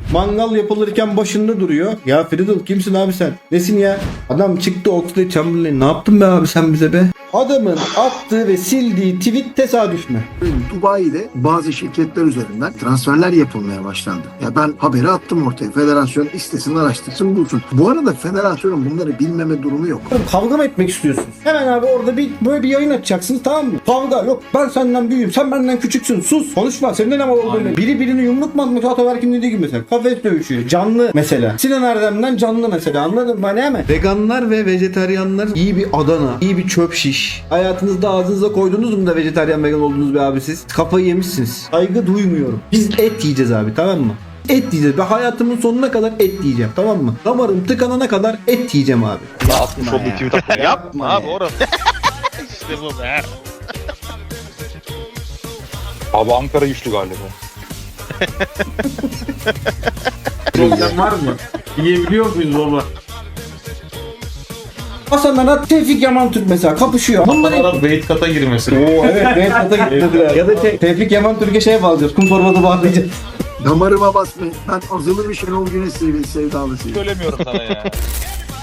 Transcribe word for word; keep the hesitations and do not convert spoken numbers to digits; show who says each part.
Speaker 1: Mangal yapılırken başında duruyor. Ya Fiddle kimsin abi sen? Nesin ya? Adam çıktı Oxlade Chamberlain. Ne yaptın be abi sen bize be? Adamın attığı ve sildiği tweet tesadüf mü?
Speaker 2: Dubai'de bazı şirketler üzerinden transferler yapılmaya başlandı. Ya ben haberi attım ortaya. Federasyon istesin, araştırsın, bulsun. Bu arada federasyonun bunları bilmeme durumu yok.
Speaker 1: Oğlum kavga mı etmek istiyorsunuz? Hemen abi orada bir böyle bir yayın açacaksınız, tamam mı? Kavga yok, ben senden büyüğüm, sen benden küçüksün, sus konuşma, senin ne var olduğunu. Biri birini yumruk mu atmak, Ataberk'in dediği gibi mesela kafes dövüşüyor, canlı mesela. Sinan Erdem'den canlı mesela, anladın mı? Hani mi? Veganlar ve vejetaryenler iyi bir Adana, iyi bir çöp şiş. Hayatınızda ağzınıza koydunuz mu da vejetaryen vegan oldunuz be abi siz? Kafayı yemişsiniz. Saygı duymuyorum. Biz et yiyeceğiz abi, tamam mı? Et yiyeceğiz. Ben hayatımın sonuna kadar et yiyeceğim, tamam mı? Damarım tıkanana kadar et yiyeceğim abi.
Speaker 3: Ya atmış olduğu tweet atma.
Speaker 4: Yapma abi orası. İşte bu be.
Speaker 3: Abi Ankara güçlü galiba.
Speaker 5: Problem var mı? Yiyebiliyor muyuz baba?
Speaker 1: Hasan Arat, Tevfik Yaman Türk mesela kapışıyor. Bunlar hep...
Speaker 5: Arap weight kata girmesi.
Speaker 1: Oo evet, evet kata gittiler. Ya da Te- Tevfik Yaman Türk'e şey bağlayacağız. Kum torbası bağlayacağız.
Speaker 2: Damarıma basmayın. Ben azılı bir Şenol Güneş sev- sevdalısıyım.
Speaker 4: Söylemiyorum sana ya.